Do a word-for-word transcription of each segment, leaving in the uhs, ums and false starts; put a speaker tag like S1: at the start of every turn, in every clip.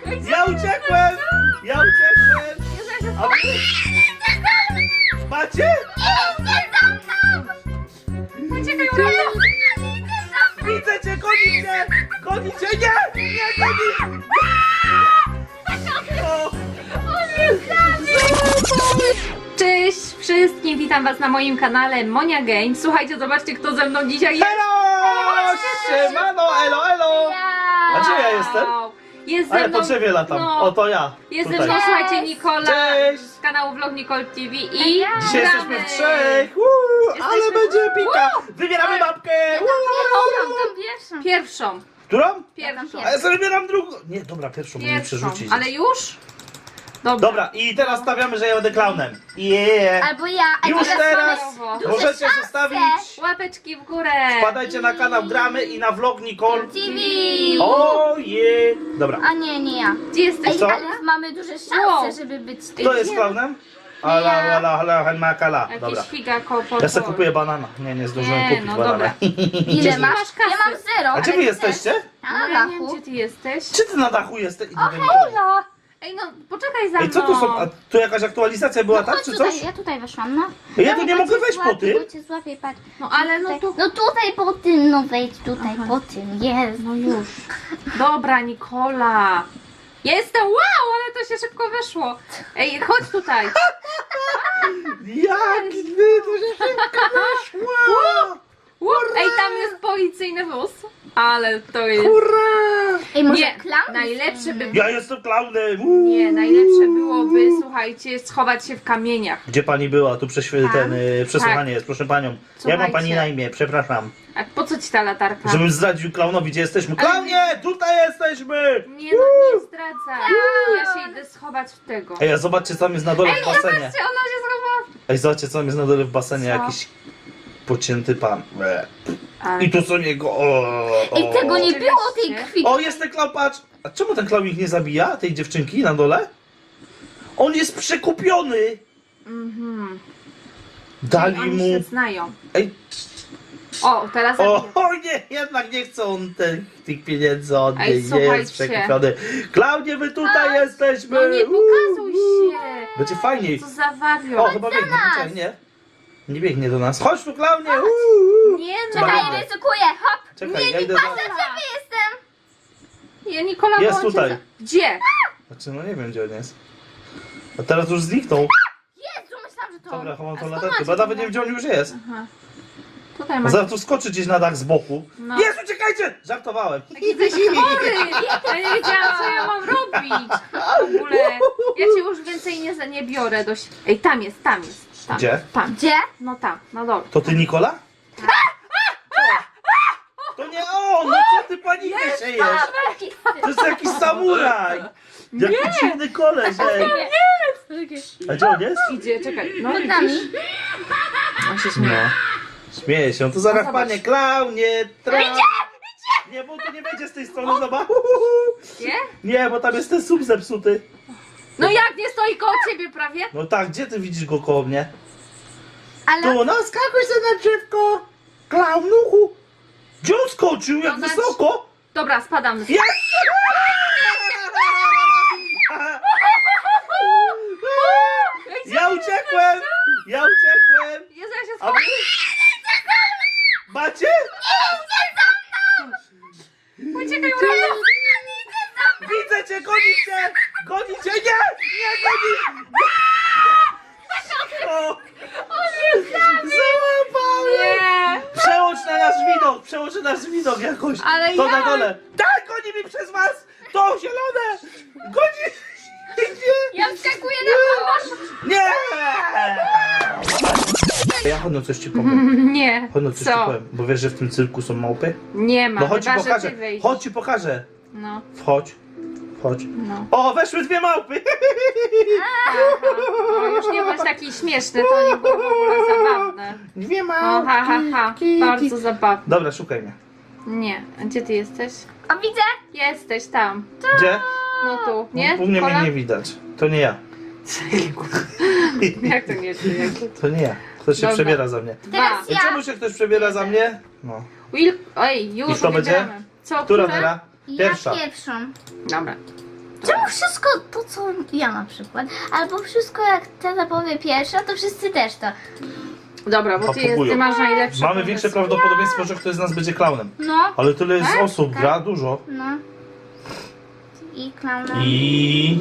S1: Ja uciekłem! Ja uciekłem! A wy... Macie?
S2: Uciekaj, Urano!
S1: Widzę cię, gonicie! Gonicie! Nie! Nie goni! O!
S2: Cześć wszystkim, witam was na moim kanale Monia Games. Słuchajcie, zobaczcie kto ze mną dzisiaj jest.
S1: Elo! Siemano, elo, elo! A gdzie ja jestem?
S2: Jest
S1: A
S2: ze
S1: ja
S2: mną...
S1: po drzewie latam.
S2: no,
S1: O, to ja.
S2: Jest ze
S1: Tutaj.
S2: mną, słuchajcie, Nikola
S1: Cześć.
S2: z kanału Vlog Nicole T V i
S1: Dzisiaj
S2: gramy.
S1: jesteśmy w trzech! Uuu, ale
S2: Jesteśmy-
S1: będzie pika! Wybieramy babkę!
S2: Pierwszą. Pierwszą.
S1: Którą?
S2: Pierwszą.
S1: A ja sobie wybieram drugą. Nie, dobra, pierwszą muszę
S2: Pierwszą.
S1: przerzucić.
S2: Ale już? Dobra.
S1: Dobra, i teraz stawiamy, że ja będę klaunem. Yeah.
S3: Albo ja, albo
S1: Już
S3: ja
S1: teraz
S2: same-
S3: duże
S1: możecie
S3: szanse.
S1: zostawić.
S2: Łapeczki w górę.
S1: Wpadajcie na kanał Gramy i na vlog Nicole.
S3: T V.
S1: O je. Dobra.
S3: A nie, nie ja.
S2: Gdzie jesteś?
S3: Ej,
S1: Co?
S3: ale mamy duże szanse,
S2: Wow.
S3: żeby być
S1: Kto jest klaunem? Ala, ala, ala, ala, makala.
S2: Jakiś
S1: Dobra.
S2: figa kopo.
S1: Ja sobie kupuję banana. Nie, nie zdążyłem
S2: Nie,
S1: kupić
S2: no
S1: banana.
S2: dobra.
S3: Ile masz?
S2: masz kasy?
S3: Ja mam zero.
S1: A gdzie
S3: ale
S1: wy
S3: ty też.
S1: jesteście?
S3: A,
S2: No,
S3: na
S2: ja nie wiem,
S3: dachu.
S2: gdzie ty jesteś.
S1: Czy ty na dachu jesteś?
S3: O, hejlo!
S2: Ej, no poczekaj za mną.
S1: Ej, co tu są? A tu jakaś aktualizacja była, tak?
S3: Chodź
S1: Czy
S3: tutaj,
S1: coś?
S3: ja tutaj weszłam, no.
S1: Ja tu nie
S3: bo
S1: mogę
S3: cię
S1: wejść po
S3: złapię,
S1: tym.
S3: Bo cię złapię, patrz.
S2: No ale no
S3: Tutaj.
S2: tu...
S3: No tutaj po tym, no wejdź tutaj po tym, jest.
S2: No już. Dobra, Nikola. Jestem, wow, ale to się szybko weszło. Ej, chodź tutaj.
S1: Jak wy, to się szybko weszło!
S2: Łup. Ej, tam jest policyjny wóz. Ale to jest...
S1: Hurra!
S3: Ej, może
S2: Nie,
S3: klaun?
S2: najlepsze by...
S1: Ja jestem klaunem! Uuu.
S2: Nie, najlepsze byłoby, słuchajcie, schować się w kamieniach.
S1: Gdzie pani była? Tu prześwi- ten, y, przesłuchanie jest, proszę panią. Jak ma
S2: Słuchajcie.
S1: pani na imię? Przepraszam.
S2: A po co ci ta latarka?
S1: Żebym zdradził klaunowi, gdzie jesteśmy.
S2: Ale-
S1: Klaunie! Tutaj jesteśmy!
S2: Nie no, nie zdradzaj. Ja się idę schować w tego.
S1: Ej, a zobaczcie, co tam jest na dole w basenie.
S2: Zobaczcie, ona się schowała.
S1: Ej, zobaczcie, co tam jest na dole w basenie.
S2: Co?
S1: Jakiś pocięty pan. Ble.
S2: Ale...
S1: I tu są jego. O, o.
S3: Ej, tego nie było, tej krwi.
S1: O, jest ten klaun, patrz! A czemu ten klaun ich nie zabija, tej dziewczynki na dole? On jest przekupiony!
S2: Mhm.
S1: Dali
S2: Oni
S1: mu.
S2: się znają.
S1: Ej,
S2: O, teraz
S1: o,
S2: zabiję.
S1: o nie, jednak nie chcą on tych, tych pieniędzy od
S2: Ej,
S1: niej, nie
S2: słuchajcie.
S1: jest przekupiony. Klaunie, my tutaj jesteśmy!
S2: No nie pokazuj
S1: Uuu.
S2: się.
S1: Będzie fajniej.
S2: Co za
S1: O,
S2: wariot.
S1: chyba biegnie, czekaj, nie? Nie biegnie do nas. Chodź tu, klaunie! Uuu.
S2: Nie no.
S1: Czekaj.
S3: Czekaj, ryzykuję, hop.
S1: Czekaj, ja idę za...
S3: Gdzie jestem?
S2: Ja Nikola
S1: Jest
S2: wyłączę
S1: tutaj.
S2: za- Gdzie?
S1: Znaczy, no nie wiem, gdzie on jest. A teraz już zniknął.
S3: Jezu, myślałam, że to on.
S1: Dobra, chowam
S2: A
S1: tą
S2: skąd
S1: latarkę,
S2: macie
S1: bo ja nawet
S2: tą
S1: nie wiem, gdzie on już jest.
S2: Aha. Tutaj
S1: A
S2: masz.
S1: zaraz tu skoczy gdzieś na dach z boku.
S2: No.
S1: Jest, uciekajcie! Żartowałem.
S2: Jesteś chory! Ja nie wiedziałam, co ja mam robić. W ogóle. Ja cię już więcej nie, za- nie biorę do... si- Ej, tam jest, tam jest. Tam,
S1: Gdzie?
S2: Tam.
S3: Gdzie?
S2: No tam, no dobra.
S1: To ty, Nikola? To nie on! No co ty panikę siejesz? To jest jakiś samuraj! Jaki dziwny koleś, ej! A gdzie on jest?
S2: Idzie, czekaj. No
S3: Pod
S2: widzisz?
S3: nami.
S2: On się śmieje.
S1: No. Śmieje się, to zaraz
S2: No, zobacz.
S1: panie klaunie, tra... Nie, bo tu nie będzie z tej strony, zobacz.
S2: Nie?
S1: Nie, bo tam jest ten sub zepsuty.
S2: No jak nie stoi koło ciebie prawie?
S1: No tak, gdzie ty widzisz go koło mnie?
S3: Ale
S1: Tu, no skakuj sobie na drzewko! Klaunuchu! Gdzie on skoczył? Jak
S2: No,
S1: wysoko?
S2: Dobra, spadam.
S1: Jest! Ja uciekłem! Ja uciekłem!
S2: Jezu, ja się
S1: A
S2: schowam.
S1: wy... Macie?
S2: Uciekaj, Urano.
S1: Widzę cię, gonicie! Gonicie! Nie! Nie goni! O! Załapałem!
S2: Nie.
S1: Przełącz na nasz widok! Przełącz na nasz widok jakoś!
S2: Ale
S1: To
S2: jak?
S1: na dole! Tak, goni mi przez was! To zielone! Goni! Nie!
S3: ja wskakuję na koło.
S1: Nie! Ja chodno coś ci powiem.
S2: Nie.
S1: Chodno coś ci
S2: Co?
S1: powiem. Bo wiesz, że w tym cyrku są małpy?
S2: Nie ma.
S1: No chodź ci
S2: chyba, że
S1: pokażę.
S2: ty wyjdziesz.
S1: Chodź ci pokażę.
S2: No,
S1: Wchodź. Wchodź.
S2: no.
S1: O, weszły dwie małpy!
S2: No już nie bądź taki śmieszny, to nie było w ogóle zabawne.
S1: Dwie
S2: O,
S1: małpy.
S2: ha, ha, ha. Bardzo zabawne.
S1: Dobra, szukaj mnie.
S2: Nie. A gdzie ty jesteś?
S3: A widzę.
S2: Jesteś tam.
S1: Gdzie?
S2: No tu. Nie?
S1: U mnie
S2: Kola?
S1: mnie nie widać. To nie ja.
S2: Jak to nie ty? Jak...
S1: To nie ja. Ktoś się
S2: Dobra.
S1: przebiera za mnie.
S2: Dwa.
S3: Teraz
S1: I
S3: ja.
S1: czemu się ktoś przebiera za mnie? No.
S2: Will... Oj, już
S1: I kto będzie?
S2: wybieramy. Co,
S1: Która
S2: które?
S1: teraz?
S3: Ja
S1: Pierwsza.
S3: pierwszą.
S2: Dobra.
S3: Czemu wszystko to, co ja na przykład, albo wszystko jak tata powie pierwsza, to wszyscy też to.
S2: Dobra, bo ty, jest,
S1: Papugują.
S2: ty masz najlepsze
S1: Mamy
S2: pomysły.
S1: większe prawdopodobieństwo, że ktoś z nas będzie klaunem.
S3: No,
S1: Ale tyle jest
S2: Tak?
S1: osób,
S3: Tak.
S1: gra dużo.
S3: no. I klauna.
S1: I...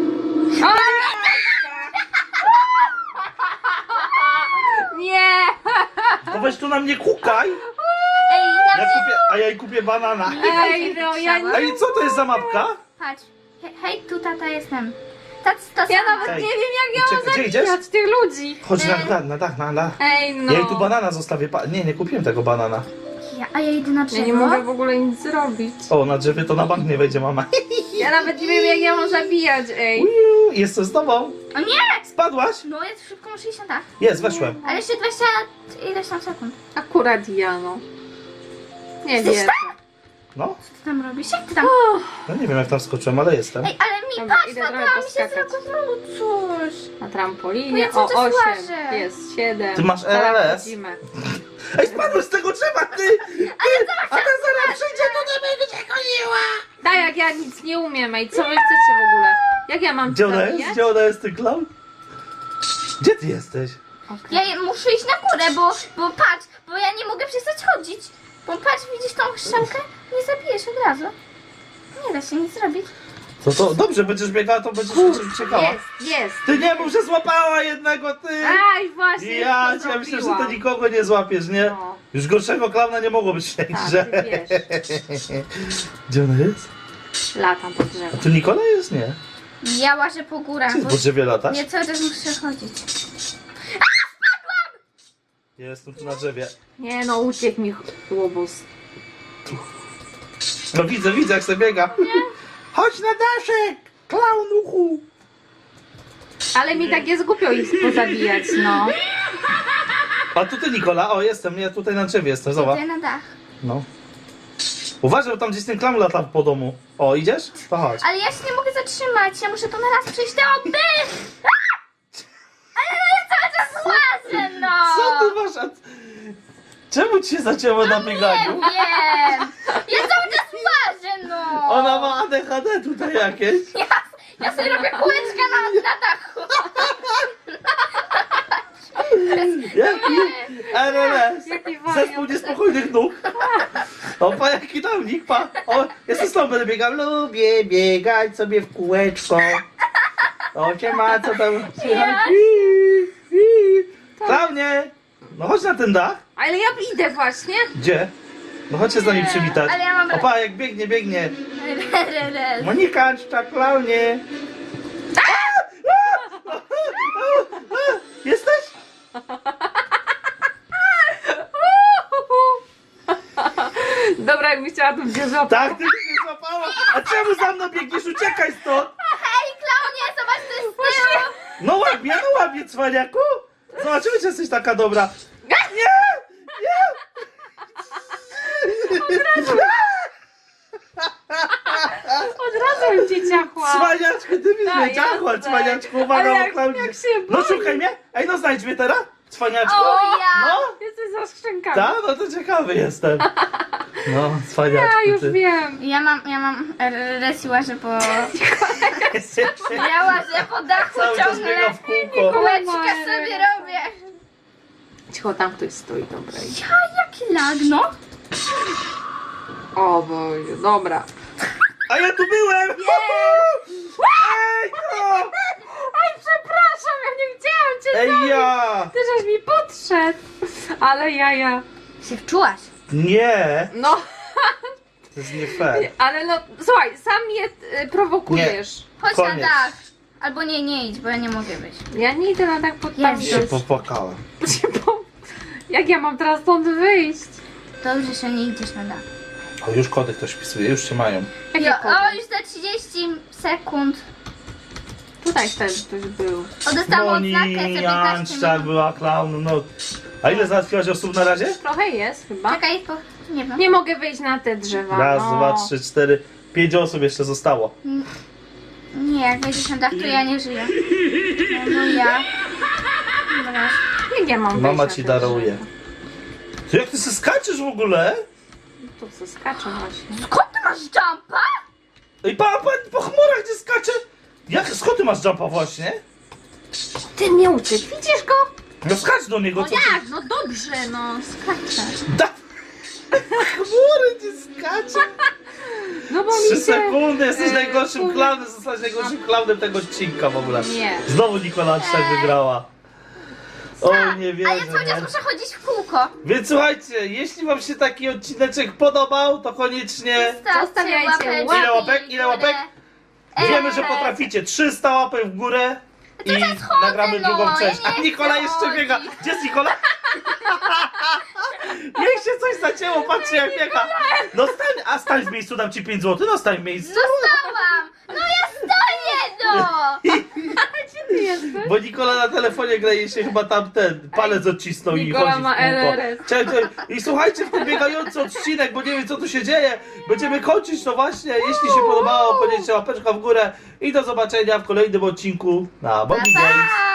S2: Nie!
S1: No weź tu na mnie kukaj!
S3: Ej, na
S1: Ja
S3: mnie...
S1: kupię, a ja jej kupię banana.
S2: Ej, no ja nie...
S1: Ej, co to jest za mapka?
S3: Patrz. He, hej, tu tata jestem. Tac, to
S2: Ja
S3: sama.
S2: nawet
S1: Ej,
S2: nie wiem, jak ja mam
S1: gdzie- gdzie
S2: zabijać tych ludzi.
S1: Chodź na dach, na dach, na dach.
S2: Ej, no.
S1: Ja jej tu banana zostawię. Pa... Nie, nie kupiłem tego banana.
S3: Ja, a ja idę na drzewo.
S2: Ja nie mogę w ogóle nic zrobić.
S1: O, na drzewie to na bank nie wejdzie mama.
S2: Ja nawet nie wiem, jak ja mam zabijać, ej.
S1: Uiu, Jestem z tobą.
S3: O nie!
S1: Spadłaś?
S3: No jest szybko, muszę iść na dach.
S1: Jest, weszłem.
S3: Ale jeszcze dwadzieścia ileś tam sekund.
S2: Akurat ja, no. Nie
S3: Jesteś
S2: wiem.
S1: No,
S3: Co ty tam robisz? Jak ty tam?
S1: no nie wiem jak tam skoczyłem, ale jestem.
S3: Ej, ale mi
S2: Dobra,
S3: patrz,
S2: idę
S3: tata,
S2: trochę
S3: mi się
S2: poskakać.
S3: zrobiło coś.
S2: Na trampolinie.
S3: No ja
S2: O,
S3: cały czas
S2: osiem.
S3: łażę.
S2: Jest, siedem.
S1: Ty masz
S2: Zaraz
S1: R L S?
S2: wchodzimy.
S1: Ej, spadłeś z tego drzewa, ty! ty a ten zaraz przyjdzie, to nie będzie cię goniła!
S2: Tak, jak ja nic nie umiem, ej. Co wy chcecie w ogóle? Jak ja mam
S1: Gdzie ona
S2: zabijać?
S1: jest? Gdzie ona jest, ty clown? Gdzie ty jesteś?
S2: Okej.
S3: Ja je- muszę iść na górę, bo, bo patrz, bo ja nie mogę przestać chodzić. Bo patrz, widzisz tą strzałkę? Nie zabijesz od razu. Nie da się nic zrobić.
S1: To to dobrze, będziesz biegała, to będziesz będziesz uciekała.
S2: Jest, jest.
S1: Ty nie mów, że złapała jednego, ty!
S2: Aj, właśnie.
S1: Ja
S2: już to
S1: cię myślę, że
S2: zrobiłam.
S1: to nikogo nie złapiesz, nie?
S2: No.
S1: Już gorszego klauna nie mogło być w tej
S2: Tak,
S1: grze.
S2: ty wiesz.
S1: Gdzie ona jest?
S2: Latam po
S1: A
S2: drzewu.
S1: tu Nikola jest? Nie.
S3: Ja łażę po górach,
S1: Czy
S3: bo
S1: po drzewie latasz?
S3: ja cały czas muszę chodzić.
S1: Ja jestem tu na drzewie.
S2: Nie no, uciekł mi łobuz.
S1: No widzę, widzę jak sobie biega. Chodź na daszek! Klaunuchu!
S2: Ale mi tak jest głupio ich pozabijać, no.
S1: A tu ty Nikola, o jestem, ja tutaj na drzewie jestem, zobacz.
S3: Idę na dach.
S1: No. Uważaj, bo tam gdzieś ten klaun lata po domu. O, idziesz? To chodź.
S3: Ale ja się nie mogę zatrzymać, ja muszę to na raz przejść te oby! Ale no ja cały czas łażę, no!
S1: Co ty masz? A... Czemu ci się zacięło na
S3: Nie
S1: bieganiu?
S3: wiem! Ja cały czas łażę, no!
S1: Ona ma A D H D tutaj jakieś.
S3: Ja, ja sobie robię kółeczka na, na dachu.
S1: Jaki R L S?
S2: Jaki
S1: Zespół
S2: wariat.
S1: niespokojnych nóg. O, pa, jaki downik, pa. O, jestem z tobą, będę biegał. Lubię biegać sobie w kółeczko. O, cię ma, co tam słychać? Klaunie! No chodź na ten dach.
S2: Ale ja idę właśnie.
S1: Gdzie? No chodź się z nami przywitać.
S3: ale ja mam-
S1: Opa, jak biegnie, biegnie.
S3: Rel.
S1: Monika, czcza klaunie. Jesteś?
S2: Dobra, jakbyś chciała tu gdzie złapać.
S1: Tak, ty mnie złapała. A czemu za mną biegniesz? Uciekaj stąd.
S3: Hej, klaunie, zobacz, to jest z tyłu.
S1: No łapie, no łapie, cwaniaku. Zobaczymy, czy jesteś taka dobra. Nie! Nie!
S2: Od razu bym cię ciachła.
S1: Cwaniaczku, ty mi
S2: A,
S1: zwiedziachła,
S2: jasne.
S1: cwaniaczku, uwaga,
S2: Ale
S1: o
S2: jak-
S1: Klaudzie.
S2: jak się
S1: No
S2: boi.
S1: szukaj mnie. Ej, no znajdź mnie teraz, cwaniaczku.
S3: O ja!
S1: No,
S2: Jesteś za skrzynkami.
S1: tak, no to ciekawy jestem. No, cwaniaczku,
S2: Ja już
S1: ty.
S2: wiem.
S3: Ja mam, ja mam res i łażę po... Ja łażę po dachu
S1: Cały czas
S3: ciągle.
S1: biega w kółko.
S3: Kółeczka sobie robię.
S2: Cicho, tam ktoś stoi, dobra.
S3: Ja, jaki lag, no.
S2: O Boże, dobra.
S1: A ja tu byłem! Ej, no!
S2: Ej, przepraszam, ja nie chciałam cię
S1: Ej, ja!
S2: Ty żeś mi podszedł. Ale ja, ja.
S3: Się wczułaś.
S1: Nie!
S2: No,
S1: To jest nie fair.
S2: ale no, słuchaj, sam mnie y, prowokujesz.
S3: Chodź
S1: Koniec.
S3: na dach. Albo nie, nie idź, bo ja nie mogę wyjść.
S2: Ja nie idę na tak pod tam
S3: Jezu.
S1: Się
S2: iść.
S1: popłakałem.
S2: Jak ja mam teraz stąd wyjść?
S3: Dobrze, że nie idziesz na dach.
S1: O, już kody ktoś wpisuje, już się mają.
S2: Jakie
S3: Jo,
S2: kody?
S3: o, już za trzydzieści sekund.
S2: Tutaj też ktoś był.
S3: O, dostałam odznakę za piętnaście
S1: Jańczak
S3: minut.
S1: była klaun, no. A ile załatwiłaś osób na razie?
S2: Trochę jest chyba.
S3: Czekaj, po... nie wiem.
S2: Nie mogę wyjść na te drzewa.
S1: Raz,
S2: no.
S1: dwa, trzy, cztery, pięć osób jeszcze zostało.
S3: Nie, jak wejdziesz na dach, to ja nie żyję. No, no ja. Dobra.
S2: Jak ja mam wyjść
S1: Mama
S2: na
S1: ci
S2: te
S1: daruje.
S2: drzewa?
S1: Ty jak ty se skaczesz w ogóle?
S2: Tu co skaczę właśnie.
S3: Skąd ty masz jumpa?
S1: Ej, pa, pa, po chmurach gdzie skaczesz? Jak, skąd ty masz jumpa właśnie?
S2: Ty mnie uciekł, widzisz go?
S1: No skacz do niego,
S2: No
S1: co
S2: jak? No dobrze, no skaczę.
S1: Da... Chmury ci skacze.
S2: No bo
S1: Trzy
S2: mi się...
S1: sekundy, jesteś
S2: e,
S1: najgorszym
S2: kurde.
S1: klaunem, zostałeś najgorszym klaunem tego odcinka w ogóle.
S2: Nie.
S1: Znowu Nikola tak wygrała. O, nie
S3: A ja
S1: wierzę,
S3: cały czas
S1: nie?
S3: muszę chodzić w kółko.
S1: Więc słuchajcie, jeśli wam się taki odcineczek podobał, to koniecznie
S2: Zostawiajcie
S3: łapeczki
S2: łapki.
S1: Ile łapek? Ile
S3: w
S1: łapek?
S3: górę.
S1: wiemy, że
S3: Eee,
S1: potraficie. trzysta łapek w górę i
S3: chodzę,
S1: nagramy
S3: no,
S1: drugą
S3: ja
S1: część.
S3: nie
S1: A Nikola
S3: chcę
S1: jeszcze
S3: chodzić.
S1: biega. Gdzie jest Nikola? Niech się coś zacięło, patrzcie jak biega. No stań, a stań w miejscu, dam ci pięć złotych, no stań w miejscu.
S3: Zostałam! No ja stoję, no!
S2: Gdzie ty jesteś?
S1: Bo Nikola na telefonie gra i się chyba tam ten palec odcisnął i
S2: Nikola
S1: chodzi w
S2: ma
S1: kółko.
S2: L R S.
S1: Czekaj, czekaj. I słuchajcie, w ten biegający odcinek, bo nie wiem co tu się dzieje. Będziemy kończyć to właśnie. Jeśli się podobało, podnieście łapeczka w górę i do zobaczenia w kolejnym odcinku na Mogi
S3: Pa,
S1: Games.
S3: pa!